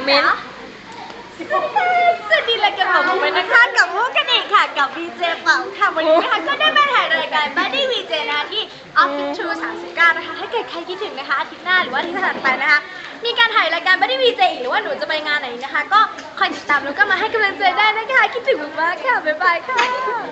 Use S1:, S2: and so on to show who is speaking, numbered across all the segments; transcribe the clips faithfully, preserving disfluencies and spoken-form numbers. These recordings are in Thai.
S1: เมนต์
S2: สวัสดีรายการของผมนะคะกับมุกกันอีกค่ะกับวีเจเป่าค่ะวันนี้นะคะก็ได้มาถ่ายรายการ Buddy วี เจ นะคะที่ Office True สามสิบเก้านะคะถ้าเกิดใครคิดถึงนะคะอาทิตย์หน้าหรือว่าอาทิตย์ถัดไปนะคะมีการถ่ายรายการ Buddy วี เจ อีกหรือว่าหนูจะไปงานไหนนะคะก็คอยติดตามแล้วก็มาให้กำลังใจได้นะคะคิดถึงมากๆค่ะบ๊ายบายค่ะ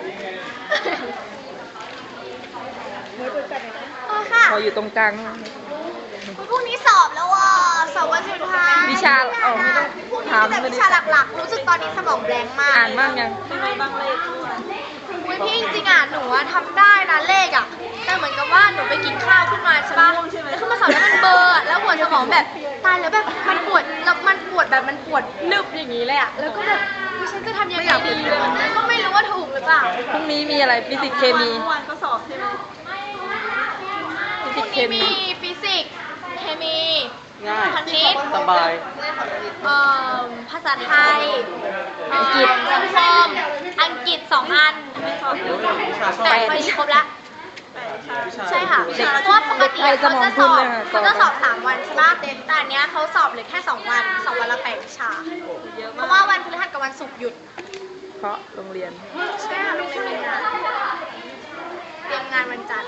S2: โอ้ค่ะ
S1: พออยู่ตรงกลาง
S2: พรุ่งนี้สอบแล้วอ่ะสอบวันสุดท้าย
S1: วิชาเออไม่ต้อง
S2: พรุ่งนี้
S1: ถาม
S2: มีแต่วิชาหลักๆรู้สึกตอนนี้สมองแบงค์มาก
S1: อ่านบ้างยัง
S2: อุ้ยพี่จริงๆอ่ะหนูอะทำได้นะเลขอ่ะแต่เหมือนกับว่าหนูไปกินข้าวขึ้นมาใช่ปะแล้วขึ้นมาสอบแล้วมันเบลอร์แล้วหัวสมองแบบตายแล้วแบบมันปวดแล้วมันปวดแบบมันปวดนึบอย่างนี้เลยอ่ะแล้วก็แบบอุ๊ยฉันจะทำยังไงดีเลยก็ไม่รู้ว่าถูกหรือเปล่า
S1: พรุ่งนี้มีอะไรฟิสิกส์เคมี
S3: เมื่อวานก็สอบใช่ไหม
S1: ฟิ
S2: พ
S1: สิ
S2: รุ่
S1: ก
S2: ง
S1: ส์เค
S2: นี้
S1: มี
S2: มีฟิสิกส์เคมี
S3: ง่าย
S2: คณิต
S3: สบาย
S2: เอ่อภาษาไทยอังกฤษสังคมอังกฤษสองอันแต่พอดีครบละใช่ค่ะเพราะว่าปกติเขาจะสอบเขาจะสอบสามวันใช่ปะแต่อันเนี้ยเขาสอบเหลือแค่สองวันสองวันละแปดวิชาเพราะว่าวันพฤหัสกับวันศุกร์หยุด
S1: เพราะโรงเรียน
S2: ใช่ค่ะโรงเรียนมีงานเตรียมงานวันจันทร์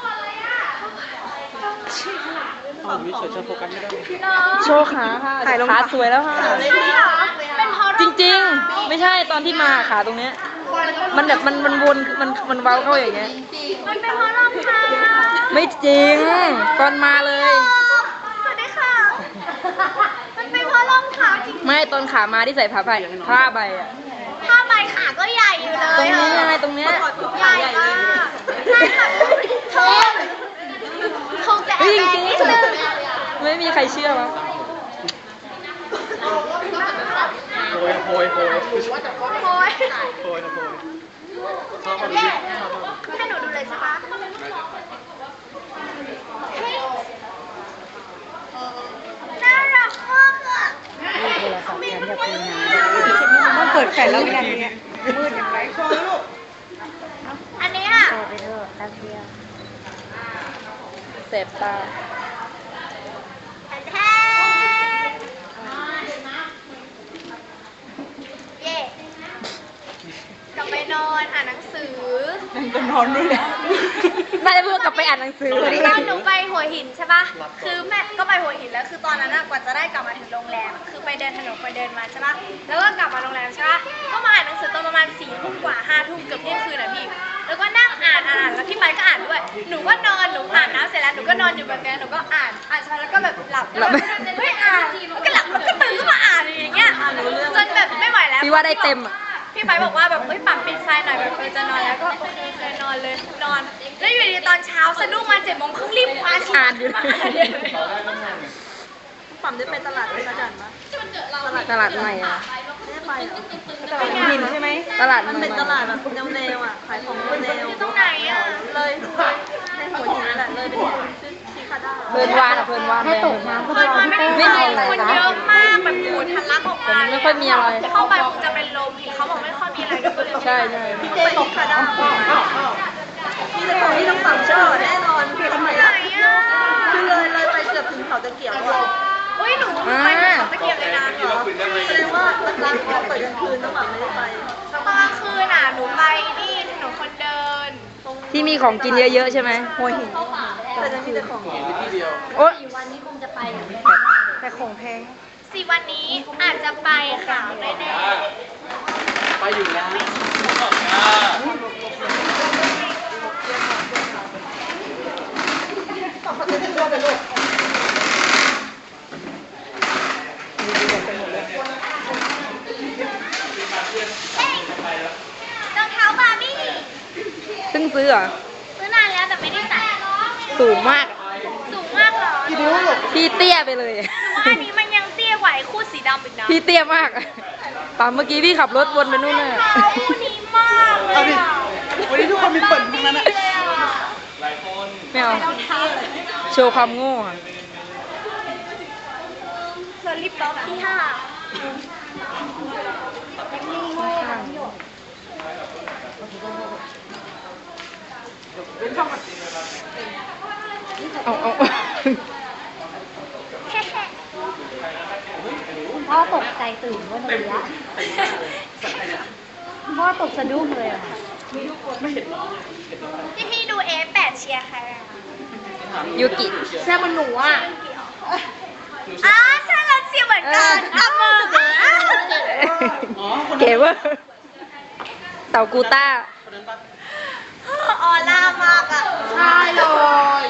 S3: อ๋อมีเฉยจะโฟกัสไม่ได้
S1: โชว์ขาค่ะถ่ายรองเท้าสวยแล้วค่ะ
S2: ใช่เหรอเป็นเพราะ
S1: จริงๆ ไม่ใช่ตอนที่มาขาตรงเนี้ยมันแบบมันมันวนมันมันเว้าเข้าอย่างเงี้ย
S2: มันเป็นเพราะรองเท้า
S1: ไม่จริงตอนมาเลย
S2: สวัสดีค่ะมันเป็นเพราะรองเท้าจริง
S1: ไม่ตอนขามาที่ใส่ผ้าใบผ้าใบอะ
S2: ผ้าใบขาก็ใหญ่อยู่เลย
S1: ตรงนี้ยังไงตรงเนี้ย
S2: ใหญ่มากใช่ค่ะเธอคงจะแอ
S1: เฮ้ย
S2: บ
S1: จ
S2: แบ
S1: ริ
S2: ง
S1: ง
S2: นิดนึง
S1: ๆไม่มีใครเชื่อวะ
S3: โพยโพยโพย
S2: โอ้ย
S3: โพยนะโพยชอบมากเลยชอบมาก
S2: ให้หนูดูเลยใช่ปะน่ารักมากอ่ะ
S1: ต้องเปิดแฟลชแล้วอย่างเงี้ยมืดอย่างไร
S2: อันนี้อ่ะ
S1: เสพตา
S2: แท้เย่กลับไปนอนอ่านหนังสือ
S1: จะนอนด้วยแหละน่าจะเพื่อกลับไปอ่านหนังสือ
S2: ตอนหนูไปหัวหินใช่ปะคือแม่ก็ไปหัวหินแล้วคือตอนนั้นอะกว่าจะได้กลับมาถึงโรงแรม คือไปเดินถนนไปเดินมาใช่ปะแล้วก็กลับมาโรงแรมใช่ปะก็มาอ่านหนังสือตอนประมาณสี่ทุ่มกว่าห้าทุ่มเกือบเที่ยงคืนอะพี่ แล้วก็นั่งอ่านอ่านแล้วพี่ไปก็อ่านด้วย หนูก็นอนหนูอ่านน้ำเสร็จแล้วหนูก็นอนอยู่แบบนี้หนูก็อ่านอ่านไปแล้วก็แบบหลับแล้วแบบเฮ้ยอ่านแล้วก็หลับแล้วก็ตื่นขึ้นมาอ่านอย่างเงี้ยจนแบบไม่ไหวแล้ว
S1: พี่ว่าได้เต็มอ่ะ
S2: พี่ไปบอกว่าแบบเอ้ยปั๊มปิดไฟหน่อยแบบเออจะนอนแล้วก็โอเคเคยนอนเลยนอน แล้วอยู่ดีตอนเช้าสะดุ้งมาเจ็ดโมงครึ่งรีบคว้าชี
S1: อ่านอยู่
S2: มาอ่านเลย
S3: ปั๊มได้ไปตลาดเป็นประจันปะ
S1: ตลาดใหม่อ่ะ
S3: ไม่ได้ไปเหรอ
S1: ตลาดหินใช่ไหมตลาด
S3: มันเป็นตลาดแบบแนวแนวอ่ะ ขายของแนว
S2: อยู่ตรงไหนอ่ะ
S3: เลยในหัวหินนั่นแหละเลยเป็นชื่อชิคาด้า
S1: เพลินวานอ่ะเพลินวานให้ตกน้ำ
S2: เปิดมาไม่ได้
S1: ไม่
S2: ไป
S1: มีอะไร
S2: คน
S1: นะ
S2: เยอะมากแบบโหทะลักออกมา
S1: ไม่ค่อยมีอะไร
S2: เข้าไปคงจะเป็นลมเขาบอกไม่ค่อยมีอะไรก็เลย
S1: ใช่ใช่
S3: พี่เจตกคาด้าพี่จะของที่ต้องสั่งช่อแน่นอนคือทำไม
S2: ไหน
S3: อ่ะ
S2: อ่ะ
S3: คือเลยเลยไปเกือบถึงเขาตะเกียบแล้วอ่ะ
S2: อุ้ยหนูไปถึงเขาตะเกียบเลยนะ
S3: เหรอแสดงว่าร้านเขาเปิดกลางคืนต้องแบบไม่ได้ไป
S2: ตอนกลางคืนน่ะหนูไปนี่ถนนคนเดิน
S1: ที่มีของกินเยอะๆใช่ไหม
S3: หัวหินแต่จะมีแต่ของ
S1: โอ๊ย
S3: แต่ของแพง
S2: สี่วันนี้อาจจะไปค่ะแน่
S3: ไปอยู่แล้ว
S2: ๆเฮ้ยรองเท้าบาร์บี้
S1: เพิ่งซื้อเหรอ
S2: ซื้อนานแล้วแต่ไม่ได้ใส่
S1: สูงมาก
S2: สูงมากเหรอหนูว่า
S1: พี่เตี้ยไปเลย
S2: อันนี้มันยังเตี้ยกว่าไอ้คู่สีดำอีกนะ
S1: พี่เตี้ยมากตามเมื่อกี้พี่ขับรถวนไปนู่นน่ะ
S2: รองเท้าคู่นี้มากเลยอะ
S3: วันนี้ทุกคนมีเปิดทั้งนั้นอ่ะ
S2: บาร์บี้เลยอะ
S1: ไม่เอา
S2: รองเท้าเลย
S1: โชว์ความโง่อะ
S2: เธอรีบล็อกที่ห้า
S1: เอาเอา
S2: แค่
S4: พ่อตกใจตื่นเมื่อเมื่อกี้พ่อตกสะดุ้งเลยอะ
S2: พี่พี่ดูเอฟแปดเชียร์ใครอะคะ
S1: ยูกิ
S3: แซ่บมันหนูอ่ะ
S2: อ้าใช่เราเชียร์เหมือนกันอ่ะมือ
S1: เก๋เวอร์เต่ากูต้า
S2: ออร่ามากอ่ะ
S3: ใช่เลย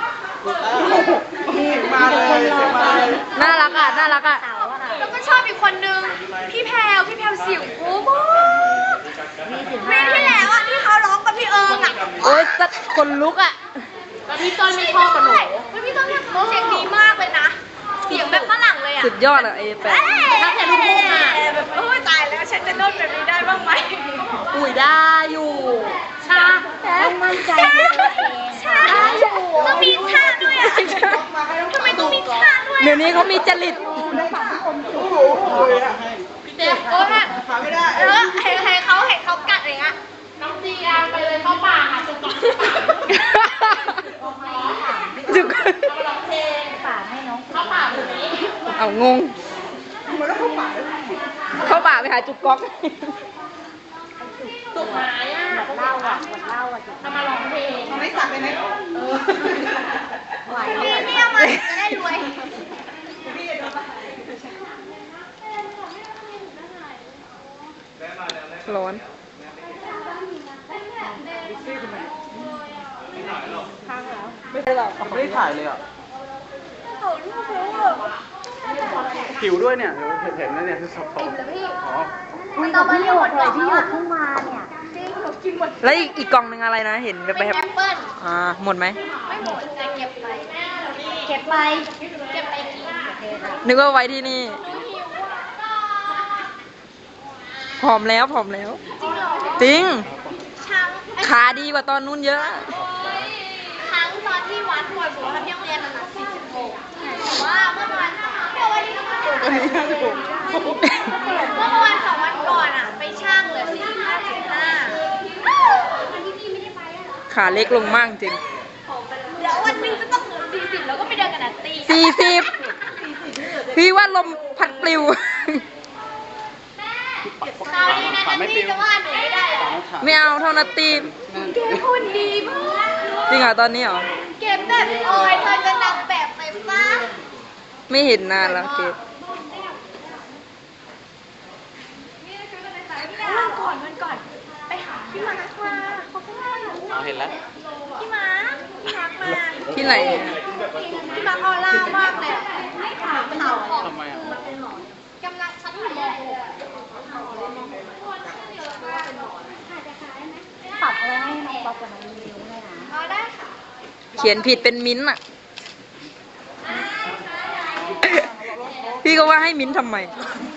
S3: มาเลยมาเลย
S1: น่ารักอ่ะ น่ารักอ่ะ
S4: เต๋าอะค่ะ
S2: แล้วก็ชอบอีกคนนึงพี่แพรวพี่แพรวสิวโอ้โห
S4: มีสิบ
S2: ปี
S4: ห้า
S2: ที่แล้วอ่ะที่เขาร้องกับพี่เอิงอ่ะ
S1: โอ๊ยสัดคนลุกอ่ะ
S3: แล้วพี่ต้นไม่ชอบกับหนู
S2: เฮ้ยพี่ต้นเนี่ยเสียงดีมากเลยนะเสียงแบบฝรั่งเลยอ่ะ
S1: สุดยอดอ่ะเอแปด
S2: ถ้าแต่ลูกทุ่งอ่ะแบบโอ้ยตายแล้วฉันจะโน้ตแบบนี้ได้บ้างไหม
S3: อุ้ยได้อยู่
S2: ชา
S4: ต้องมั่นใจในตัวเอง
S2: ชาต้องมีท่าด้วยอ่ะทำไมต้องมีท่าด้วย
S1: เดี๋ยวนี้เขามีจริต
S3: พี่เจ๊
S2: โอ้ย
S3: ขาไม่ได้
S2: แล้วเห็นให้เขาเห็นเขากัดอะไรเงี้ย
S3: น้องจีอาไปเลยเข้าป่าค่ะจุกก่อน
S1: จุก
S3: เอาร้องเพลง
S4: ฝากให้น้อง
S3: เข้าป่าแบบนี้
S1: เอางง เข้าป่าไปหาจุกก๊อก
S3: ตุกหายอ่ะ
S4: หมดเหล้าอ่ะหมดเหล้าอ่ะจุด
S3: ทำมาร้องเพลงไม่สักเลยไหมเออ
S4: ไหว
S2: พี่พี่เอามาจะได้รวย
S1: ร้อน
S5: ไม่ได้ถ่ายเลยอ่ะผิวด้วยเนี่ยเห็นเห็นนะเนี่ยคือสปอร์ตอ๋อ
S4: คุยกับพี่หยดเลยพี่หยดเพิ่งมาเนี่ย
S1: แล้วอีกอีกกล่องหนึ่งอะไรนะ เห็นแบบ
S2: เป็น
S1: แบบ
S2: แอปเปิ้ล
S1: อ่า หมดไหม
S2: ไม่หมดแต่เก็บไป
S4: เก็บไป
S2: เก็บไปกิน
S1: นึกว่าไว้ที่นี่ ผอมแล้วผอมแล้ว จริง
S2: ช้าง
S1: ขาดีกว่าตอนนู้นเยอะ
S2: ครั้งตอนที่วัดบ่อยบอกว่าที่โรงเรียนมันหนักสี่สิบหกแต่ว่าเมื่อวันเมื่อวันที่เมื่อวันสองวันก่อนอ่ะ ไปช่างเหลือสี่สิบห้าจุดห้า
S1: ขาเล็กลงมากจริง
S2: เดี๋ยววันหนึงจะต้องเหลือสี่สิบแล้วก็ไปเดินกันนัตตี้
S1: สี่สิบพี่ว่าลมพัดปลิว
S2: คราวนี้นะนัตตี้จะว่าหนูไม่ได้หรอ
S1: ไม่เอาเท่านาตี
S2: เก็บหุ่นดีมาก
S1: จริงเหรอตอนนี้เหรอ
S2: เก็บแบบโอ้ยเธอจะนำแบบไปป้า
S1: ไม่เห็นนานแล้วเกด
S2: วันก่อนวันก่อน ไปหาพี่มาร์คมาเขาเพิ่งมาหา
S5: เอาเห็นแล้ว
S2: พี่มาร์คพี่มาร์คมา
S1: ที่ไหน
S2: พี่มาร์คออร่ามากเลยอะขาวขาวของ
S5: ทำไมอ่ะ
S2: กำลังชั้นอยู่ม
S4: ปรับอะไรให้น้องป๊อปกับน้องมิวด้วยนะ
S2: .6 อ๋อได้ค่ะ
S1: เขียนผิดเป็นมิ้นท์อ่ะ พี่ก็ว่าให้มิ้นท์ทำไม
S2: ไ